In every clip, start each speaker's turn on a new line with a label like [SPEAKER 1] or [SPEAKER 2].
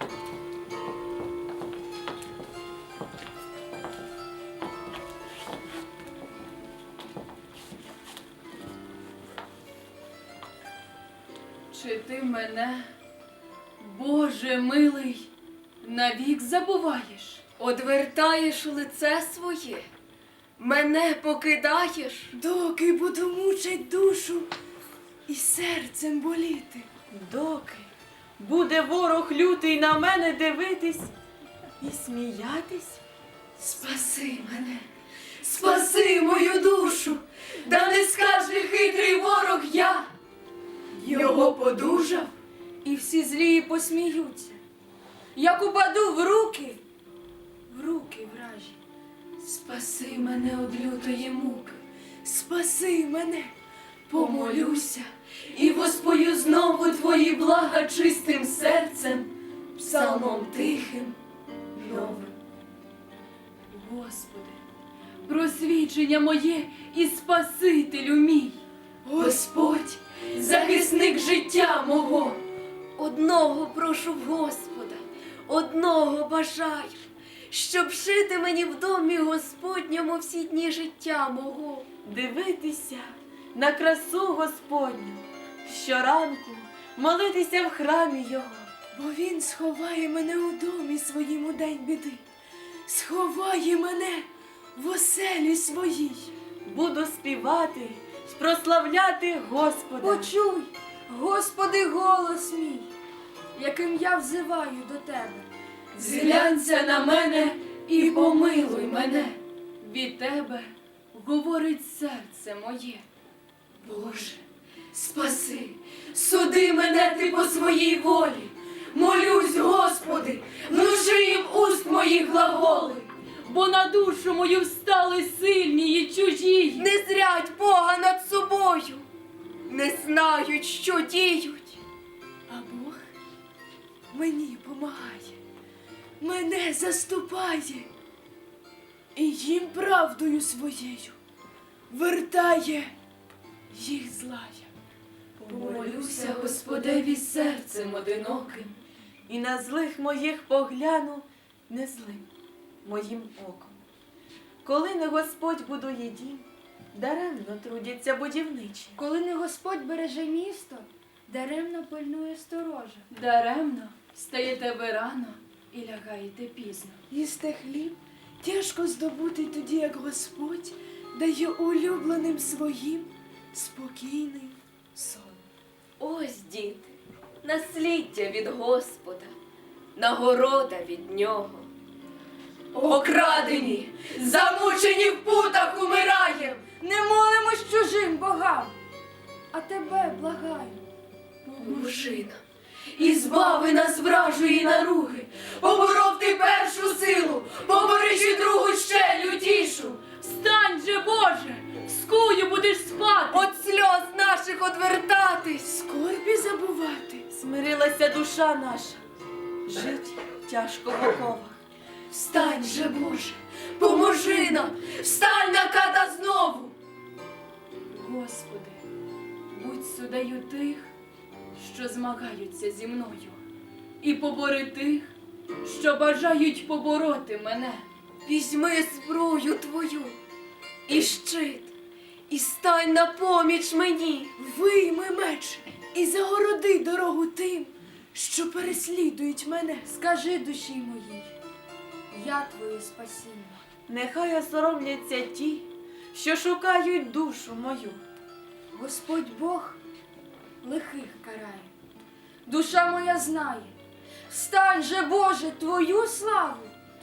[SPEAKER 1] Чи ти мене, Боже милий, навік забуваєш?
[SPEAKER 2] Одвертаєш лице своє, мене покидаєш?
[SPEAKER 3] Доки буду мучить душу і серцем боліти.
[SPEAKER 4] Доки буде ворог лютий на мене дивитись і сміятись?
[SPEAKER 2] Спаси мене, спаси мою душу, да не скаже хитрий ворог я. Його подужав,
[SPEAKER 1] І всі злії посміються, як упаду в руки вражі.
[SPEAKER 2] спаси мене од лютої муки,
[SPEAKER 3] Спаси мене,
[SPEAKER 2] помолюся і воспою знову твої блага чистим серцем, псалмом тихим, новим.
[SPEAKER 1] Господи, просвічення моє і Спасителю мій.
[SPEAKER 2] Господь, захисник життя мого, одного прошу в Господа, одного бажаю, щоб жити мені в домі Господньому всі дні життя мого.
[SPEAKER 4] Дивитися на красу Господню, щоранку молитися в храмі Його.
[SPEAKER 3] бо він сховає мене у домі своїм у день біди. Сховає мене в оселі своїй.
[SPEAKER 4] Буду співати, прославляти Господа.
[SPEAKER 1] Почуй, Господи, голос мій, яким я взиваю до Тебе.
[SPEAKER 2] Зглянься на мене і помилуй мене.
[SPEAKER 1] Від Тебе говорить серце моє.
[SPEAKER 2] Боже, спаси, суди мене ти по своїй волі. Молюсь, Господи, внуши їм уст моїх глаголи.
[SPEAKER 1] Бо на душу мою встали сильні і чужі.
[SPEAKER 2] Не зрять Бога над собою, не знають, що діють.
[SPEAKER 3] А Бог мені помагає, мене заступає і їм правдою своєю вертає їх злая.
[SPEAKER 2] Помолюся Господеві серцем одиноким.
[SPEAKER 4] І на злих моїх погляну не злим моїм оком. Коли не Господь будує дім, даремно трудяться будівничі.
[SPEAKER 5] Коли не Господь береже місто, даремно пильнує сторожа.
[SPEAKER 1] Даремно встаєте ви рано і лягаєте пізно.
[SPEAKER 3] Їсти хліб тяжко здобути тоді, як Господь дає улюбленим своїм спокійний сон.
[SPEAKER 2] Ось, діти, насліддя від Господа, нагорода від Нього. Окрадені, замучені в путах умираєм.
[SPEAKER 5] Не молимось чужим богам, а тебе благаю.
[SPEAKER 2] Поможи нам і збави нас вражої наруги. Поборов ти першу силу, поборичи другу ще лютішу.
[SPEAKER 1] Встань же, Боже, в скую будеш спати.
[SPEAKER 2] От сльоз наших одвертатись.
[SPEAKER 3] Скорбі забувати.
[SPEAKER 4] Смирилася душа наша, жить тяжко в оковах.
[SPEAKER 2] Встань же, Боже, поможи нам, встань на ката знову.
[SPEAKER 1] Господи, будь суддею тих, що змагаються зі мною, і побори тих, що бажають побороти мене.
[SPEAKER 2] Візьми зброю твою і щит, і стань на поміч мені.
[SPEAKER 3] Вийми меч і загороди дорогу тим, що переслідують мене.
[SPEAKER 5] Скажи душі моїй, я твоє спасіння.
[SPEAKER 4] Нехай осоромляться ті, що шукають душу мою.
[SPEAKER 5] Господь Бог лихих карає. Душа моя знає, встань же, Боже, твою славу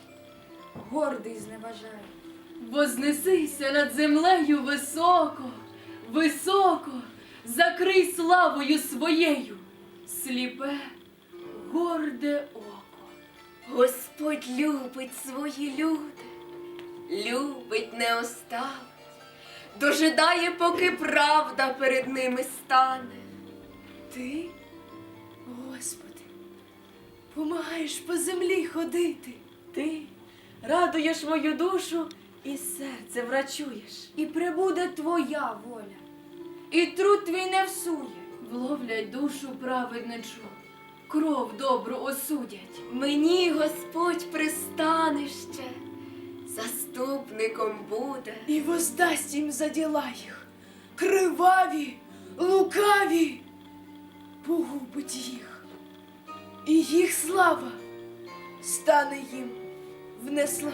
[SPEAKER 5] гордий зневажає.
[SPEAKER 1] Вознесися над землею високо, високо, закрий славою своєю сліпе, горде око.
[SPEAKER 2] Господь любить свої люди, любить, не оставить, дожидає, поки правда перед ними стане.
[SPEAKER 3] Ти, Господи, помагаєш по землі ходити.
[SPEAKER 4] Ти радуєш мою душу і серце врачуєш.
[SPEAKER 5] І прибуде твоя воля, і труд твій не всує.
[SPEAKER 1] Вловлять душу праведничу, кров добру осудять.
[SPEAKER 2] Мені Господь пристане ще, заступником буде.
[SPEAKER 3] І воздасть їм за діла їх, криваві, лукаві, погубить їх. І їх слава стане їм в неславу.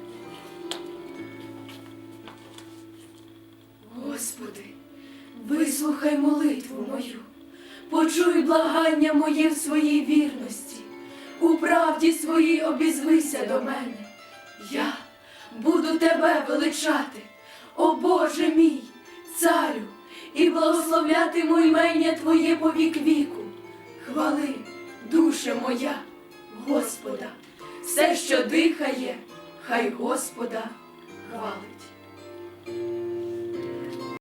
[SPEAKER 1] Господи, вислухай молитву мою, почуй благання моє в своїй вірності, у правді своїй обізвися до мене. Я буду тебе величати, о Боже мій, царю, і благословлятиму імення Твоє по вік віку. Хвали, душе моя, Господа, все, що дихає, хай Господа хвалить.